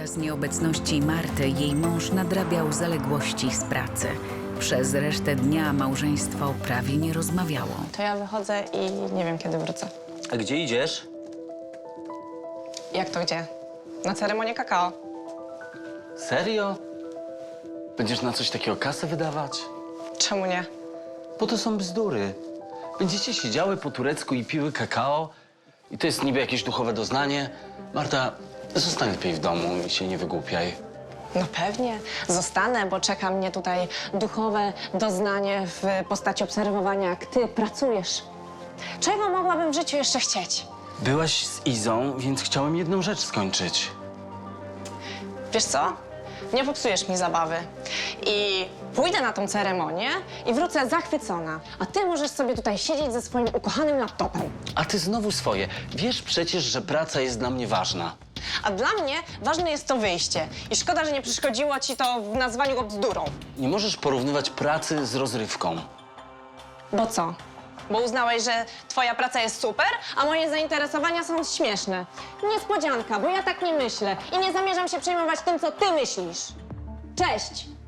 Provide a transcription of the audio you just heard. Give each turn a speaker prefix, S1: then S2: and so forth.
S1: Podczas nieobecności Marty jej mąż nadrabiał zaległości z pracy. Przez resztę dnia małżeństwo prawie nie rozmawiało.
S2: To ja wychodzę i nie wiem, kiedy wrócę.
S3: A gdzie idziesz?
S2: Jak to gdzie? Na ceremonię kakao.
S3: Serio? Będziesz na coś takiego kasę wydawać?
S2: Czemu nie?
S3: Bo to są bzdury. Będziecie siedziały po turecku i piły kakao i to jest niby jakieś duchowe doznanie. Marta, zostań lepiej w domu i się nie wygłupiaj.
S2: No pewnie. Zostanę, bo czeka mnie tutaj duchowe doznanie w postaci obserwowania, jak ty pracujesz. Czego mogłabym w życiu jeszcze chcieć?
S3: Byłaś z Izą, więc chciałem jedną rzecz skończyć.
S2: Wiesz co? Nie popsujesz mi zabawy. I pójdę na tą ceremonię i wrócę zachwycona. A ty możesz sobie tutaj siedzieć ze swoim ukochanym laptopem.
S3: A ty znowu swoje. Wiesz przecież, że praca jest dla mnie ważna.
S2: A dla mnie ważne jest to wyjście. I szkoda, że nie przeszkodziło ci to w nazwaniu go bzdurą.
S3: Nie możesz porównywać pracy z rozrywką.
S2: Bo co? Bo uznałeś, że twoja praca jest super, a moje zainteresowania są śmieszne. Niespodzianka, bo ja tak nie myślę i nie zamierzam się przejmować tym, co ty myślisz. Cześć!